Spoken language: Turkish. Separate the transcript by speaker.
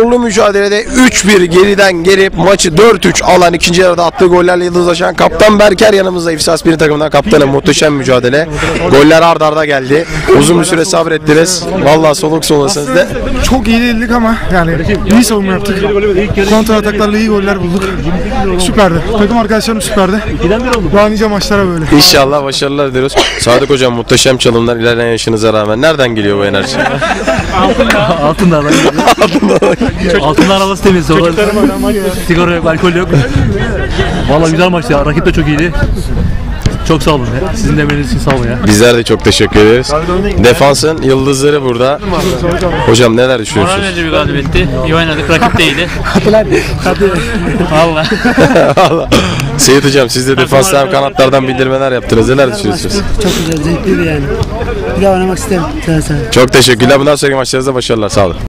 Speaker 1: zorlu mücadelede 3-1 geriden gelip maçı 4-3 alan ikinci yarıda attığı gollerle yıldızlaşan kaptan Berker yanımızda. İfsas 1 takımından kaptanı, muhteşem mücadele. Goller ard arda geldi. Uzun bir süre sabrettiniz. Vallahi soluk solasınız da.
Speaker 2: Çok iyi değildik ama yani iyi savunma yaptık. Kontra ataklarla iyi goller bulduk. Süperdi. Takım arkadaşlarım süperdi. Daha nice maçlara böyle.
Speaker 1: İnşallah başarılar diliyoruz. Sadık hocam, muhteşem çalımlar ilerleyen yaşınıza rağmen. Nereden geliyor bu enerji?
Speaker 3: Altınlar'dan geliyor. Altınlar havası temiz. Sigara yok, alkol yok. Vallahi güzel maçtı ya. Rakip de çok iyiydi. Çok sağ olun ya. Sizin de emeğiniz için sağ olun ya.
Speaker 1: Bizler de çok teşekkür ederiz. Defansın yıldızları burada. Hocam neler düşünüyorsunuz?
Speaker 4: Moral verici bir galibiyetti. İyi oynadık. Rakip de iyiydi. Valla.
Speaker 1: Seyit hocam, siz de defanstan hem kanatlardan bildirmeler yaptınız. Neler düşünüyorsunuz?
Speaker 5: Çok güzel, zevkliydi yani. Bir daha oynamak isterim.
Speaker 1: Çok teşekkürler. Bundan sonraki maçlarınızda başarılar. Sağ olun.